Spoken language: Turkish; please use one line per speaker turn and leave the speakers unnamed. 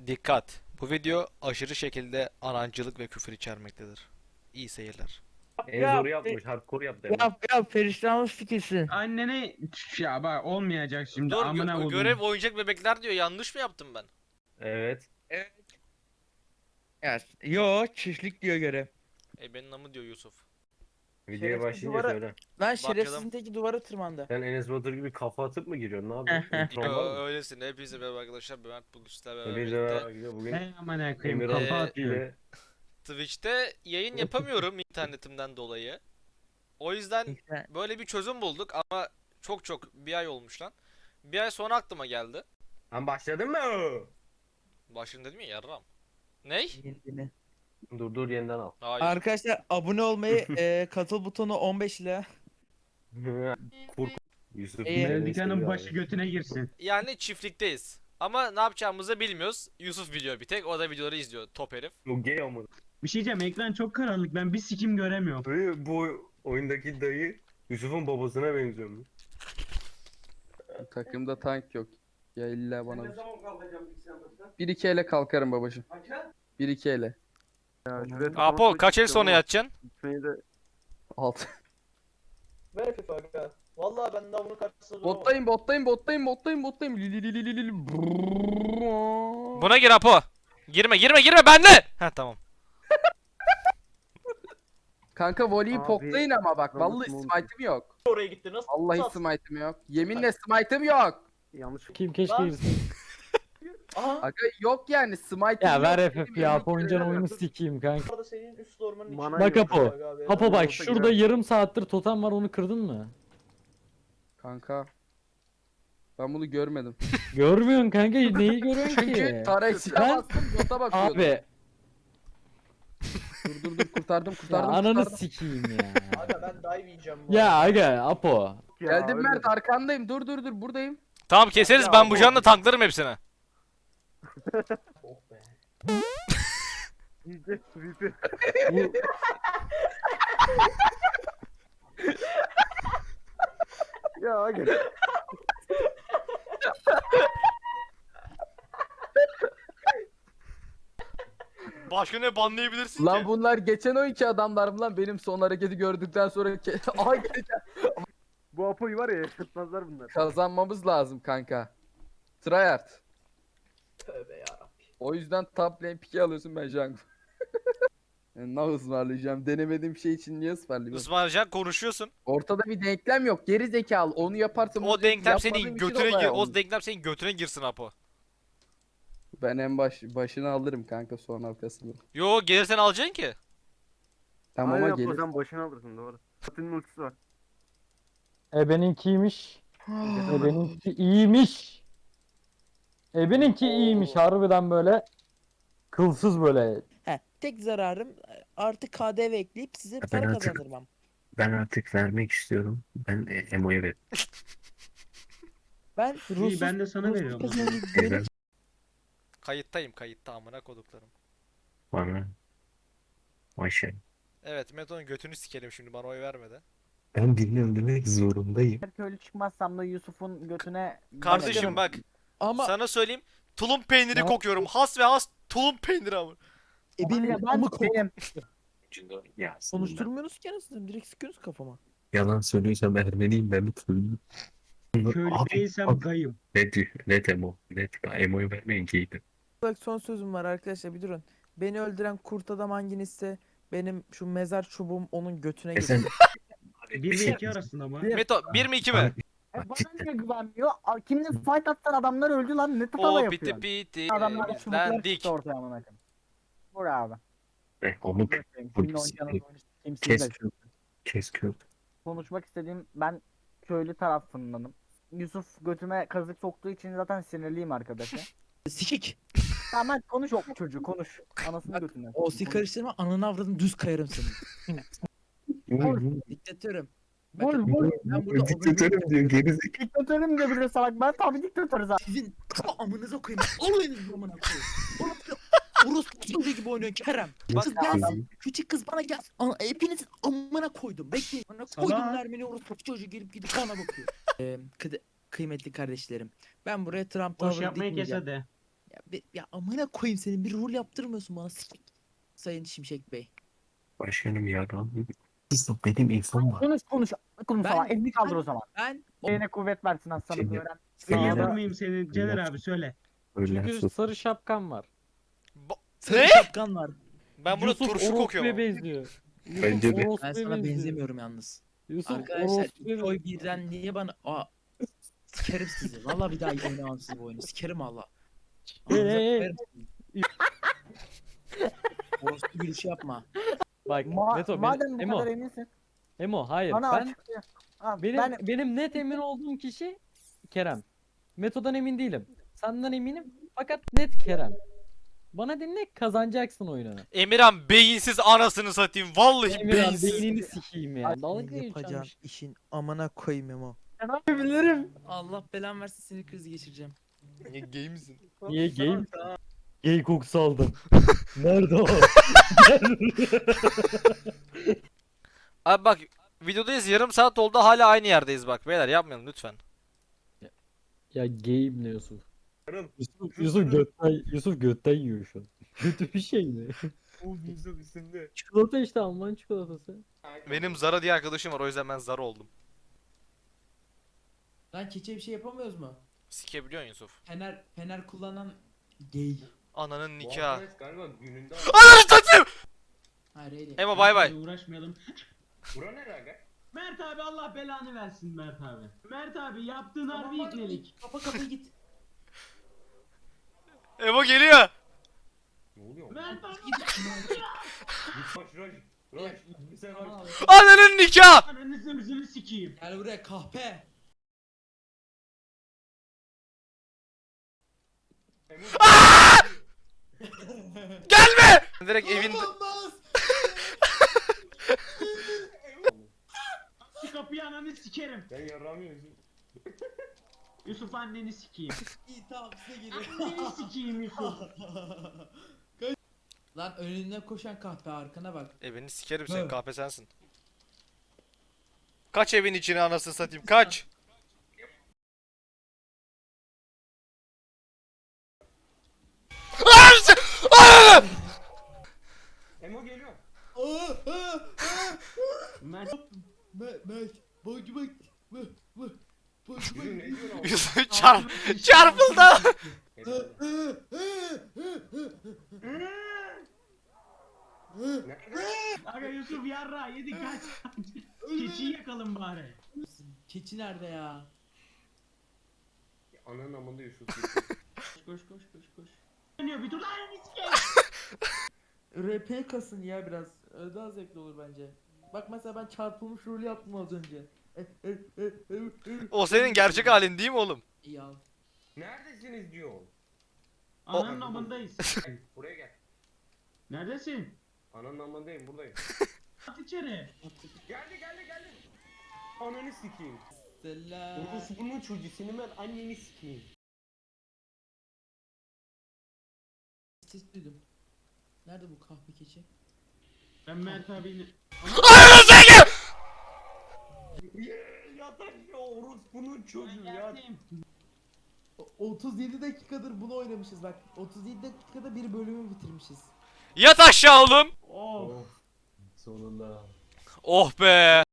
Dikkat! Bu video aşırı şekilde anancılık ve küfür içermektedir. İyi seyirler.
En zoru yapmış. Hardcore yaptı hemen.
Yap perişanlık fikirsin.
Annene ya bak olmayacak şimdi
Dur
amına koydum.
görev oyuncak bebekler diyor. Yanlış mı yaptım ben?
Evet.
Evet. Yo çiftlik diyor görev.
Benim namı diyor Yusuf.
Videoya
Şerefsiz
başlayınca
duvara-
söyle.
Lan
Bakalım.
şerefsizin teki duvara tırmandı.
Sen Enes Batur gibi kafa atıp mı giriyorsun? Ne yapıyorsun? İntron var mı?
Öylesin. Hepinize merhaba arkadaşlar. Ben Mert bugün sizlerle beraber
Hepinize
birlikte
merhaba gidiyor. Bugün
He amına koyayım
Emirhan
kafa atıyor.
ile
Twitch'te yayın yapamıyorum internetimden dolayı. O yüzden böyle bir çözüm bulduk ama çok bir ay olmuş lan. Bir ay sonra aklıma geldi.
Lan başladın mı?
Başını dedim ya yarram. Ney?
Kendini.
Dur yeniden al.
Hayır.
Arkadaşlar abone olmayı katıl butonu 15 ile.
Kur. Yusuf
İyi.
beni
Melodikanın
seviyor
başı
abi.
götüne girsin.
Yani çiftlikteyiz. Ama ne yapacağımızı bilmiyoruz. Yusuf biliyor bir tek. O da videoları izliyor. Top herif.
Bu gay ama.
Bir şey diyeceğim, ekran çok karanlık, ben bir sikim göremiyorum.
Bu oyundaki dayı Yusuf'un babasına benziyor mu?
Takımda tank yok. Ya illa bana. 1-2 ele kalkarım babacığım. 1-2 ele.
Apo kaç el sonra yatacaksın?
6.
Ver FIFA aga. Vallahi ben daha bunun karşısında duramam.
Bottayım. Li.
Buna gir Apo. Girme bende. Ha tamam.
Kanka voleyi
Abi,
poklayın ama bak.
Robert
Vallahi
Monty.
smite'ım yok.
Oraya gitti nasıl?
Vallahi
nasıl?
smite'ım yok. Yeminle smite'ım yok.
Yanlış.
Kim keşke
Lan.
girsin.
Aha.
Aga yok yani smite'ım
Ya
yok.
ver
Benim
FF ya.
yemin
Oyuncağın
ederim.
oyunu sikeyim kanka.
Orada senin üst ormanın
Mana
içinde.
Bak Apo.
Aga abi.
Apo bak
Olsa
şurada
girer.
yarım saattir totem var, onu kırdın mı?
Kanka. Ben bunu görmedim.
Görmüyorsun kanka, neyi görüyorsun
Çünkü
ki?
Tarexi'ye
Ben-
bastım bota bakıyordum.
Abi
Dur kurtardım.
ya ananı sikeyim ya.
Aga ben dive yiyeceğim bu
Ya
arada.
aga Apo.
Geldim Mert arkandayım. Dur buradayım.
Tamam keseriz
Ya
ben bu
Apo.
canla tanklarım hepsine.
Oh be.
VP. Ya aga.
Başka ne banlayabilirsin
Lan
ki?
bunlar geçen o iki adamlar mı lan benim son hareketi gördükten sonra aha
Bu Apo'yu var ya yaşatmazlar bunlar.
kazanmamız lazım kanka. Tryhard.
Tövbe yarabbim.
O yüzden top lane pick'i alıyorsun ben jungle. Ne ısmarlayacağım? Denemediğim şey için niye ısmarlayayım?
Ismarcan konuşuyorsun.
Ortada bir denklem yok. Geri zekalı. Onu yaparsam
O denklem senin
yapmadığım için
götüne
olay
gir.
olmuş.
O denklem senin götüne girsin Apo.
Ben en başını alırım kanka son arkasını.
Yo gelirsen alacaksın ki.
Tamam
Aynen
ama
Apo,
gelir.
sen başına alırsın doğru. Fatih'in ultisi var.
Ebeninki iyiymiş. Ebeninki iyiymiş harbiden, böyle kılsız böyle.
He, tek zararım artık KDV ekleyip size para
artık-
kazandırmam.
Ben artık vermek istiyorum. Ben Emo'ya ver.
Ben Rus'uz.
ben de sana veriyorum o zaman.
Benim
Kayıtta amına koduklarım.
Bana. Maşallah.
Evet Meto'nun götünü sikelim şimdi bana oy vermedi.
Ben birini öldürmek zorundayım.
Her köylü çıkmazsam da Yusuf'un götüne...
Kardeşim bak
ama
sana söyleyeyim. Tulum peyniri
Ya-
kokuyorum. Has ve has tulum peyniri ama.
benim
ben
amı kok.
benim.
Ya aslında
Konuşturmuyorsunuz ki anasını, direkt sıkıyorsunuz kafama.
yalan söylüyorsam Ermeniyim, ben bir köylüyüm.
Köylü
Abi,
değilsem
abi,
gayım.
net Emo. Net Emo'yu vermeyin giydim.
Bak son sözüm var arkadaşlar, bir durun. Beni öldüren kurt adam hangisi, benim şu mezar çubuğum onun götüne
E sen
girsin.
1 ve 2 arasında mı?
Meto 1 mi 2 mi?
Bana
cidden.
niye güvenmiyor? Kimle fight atsan adamlar öldü lan. Ne tava
O
yapıyor?
piti piti.
Adamlar çubuklar
Bizden dik.
çıktı ortaya amına koyayım. Vur abi.
Onu
Kimin
Vur,
oynayacağınız oyunu kim
kes.
sizde şu.
kes Kürt.
Konuşmak istediğim, ben köylü tarafındanım. Yusuf götüme kazık soktuğu için zaten sinirliyim arkadaşa.
Sikik.
Tamam konuş o çocuğu konuş. Anasını götüne.
O sik karıştırma, ananı avradını düz kayarım senin. Diktatörüm.
Vur
Bakın,
vur.
ben burada
Diktatörüm diyor gerizekalı.
Diktatörüm de bile salak. Ben tabii diktatörüz abi.
sizin amınıza koyayım. Olayınız amına koyayım. Orospu çocuğu gibi oynuyor Kerem.
Bak-
Kız gelsin. Küçük kız bana gelsin. Hepinizin amına koydum. Bekleyin. Amına koydum
Salak.
Ermeni orospu çocuğu gelip gidip bana bakıyor. Kıymetli kardeşlerim. Ben buraya Trump
Boş
Tower
yapmayı kes
dikmeyeceğim.
hadi.
Ya amına koyayım senin bir rol yaptırmıyorsun bana Sayın Şimşek Bey.
Başkanım ya. Yusuf benim infom var.
Konuş. Konuş
Ben-
falan. Elini kaldır o zaman.
Ben
Eline kuvvet versin aslanım
Şimdi-
öğren.
Duyabilir
Sağda-
miyim seni Caner abi söyle.
Öyle
Çünkü
sus.
sarı şapkan var.
sarı
Ne?
şapkan var.
Ben burada
Yusuf
turşu
orospuya
kokuyorum.
benziyor. Yusuf
Bence de.
orospuya
Ben sana
benziyor.
benzemiyorum yalnız.
Yusuf
Arkadaşlar
orospuya
iki oy birden niye bana... Aa, sikerim sizi. Valla bir daha oynamam sizi bu oyunu. Sikerim valla.
Hey,
Ağzınıza
hey, hey.
koyarım sizi. Orospu gülüşü yapma.
Bak Neto
Madem bu
Emo,
kadar eminsin.
Hayır
Bana
ben
açıkla. Ha,
benim net emin olduğum kişi Kerem. Meto'dan emin değilim. Senden eminim fakat net Kerem. Bana dinle kazanacaksın oyunu.
Emirhan beyinsiz anasını satayım. Vallahi
Emirhan
beyinsiz.
beynini sikeyim ya. Dalga
Senin
geçiyormuş.
yapacağın işin amına koyayım Emo.
Ben yapabilirim.
Allah belan versin sinir krizi geçireceğim.
Niye gay misin?
Niye gay? Gay kokusu aldım. Nerede o?
Abi bak videodayız, yarım saat oldu, hala aynı yerdeyiz bak. Beyler yapmayalım lütfen.
Ya gayim ne Yusuf?
Yarın.
Yusuf götten yiyor şu an. Kötü bir şey mi?
O Yusuf üstünde.
Çikolata işte Alman çikolatası.
Benim Zara diye arkadaşım var, o yüzden ben Zara oldum.
Lan keçe bir şey yapamıyoruz mu?
Sikebiliyorsun Yusuf.
Fener kullanan gay.
Ananın
Bu
nikahı.
arkadaş galiba gününde
Ananı satayım!
Hayır öyle.
Emo bay bay.
Hadi uğraşmayalım.
Bura ne aga?
Mert abi Allah belanı versin Mert abi. Mert abi yaptığın harbi iknelik.
Kapa git.
Emo geliyor.
Ne oluyor?
Mert abi
Git Roş. Sen Roş.
Ananın nikahı.
ananı zımzını sikeyim.
Gel buraya kahpe.
Gelme! Direkt evin...
Şu kapıyı ananı sikerim.
Ben yaramıyorum.
Yusuf anneni sikeyim.
İyi tamam size geliyor.
Anneni sikeyim Yusuf.
Lan önünden koşan kahpe arkana bak.
Evini sikerim, senin
Evet.
kahpe sensin. Kaç evin içine anasını satayım, kaç!
Emo geliyor.
Mert
Mert. Boycu bak.
Yusuf ne diyor lan?
Yusuf çarpıldı.
Aga Yusuf yarra yedi kaç. Keçiyi yakalım bari.
Keçi nerede ya?
Ananın amında Yusuf.
Koş. Dönüyor bir dur lan anneni sikeyim.
RP kasın ya biraz. Daha zevkli olur bence. Bak mesela ben çarpılmış rolü yaptım az önce.
O senin gerçek halin değil mi oğlum?
İyi al.
Neredesiniz diyor.
Ananın amındayız.
Buraya gel.
Neredesin?
Ananın amındayım buradayım.
At içeri.
Geldi. Ananı sikeyim.
Selam.
Bunun çocuğu senin ben anneni sikeyim.
Ses duydum. Nerede bu kahpe keçi?
Ben Mert abiyle...
Yatak ya orospunun çocuğu ya.
37 dakikadır bunu oynamışız bak. 37 dakikada bir bölümü bitirmişiz.
Yat aşağı oğlum.
Oh.
Sonunda.
Oh be.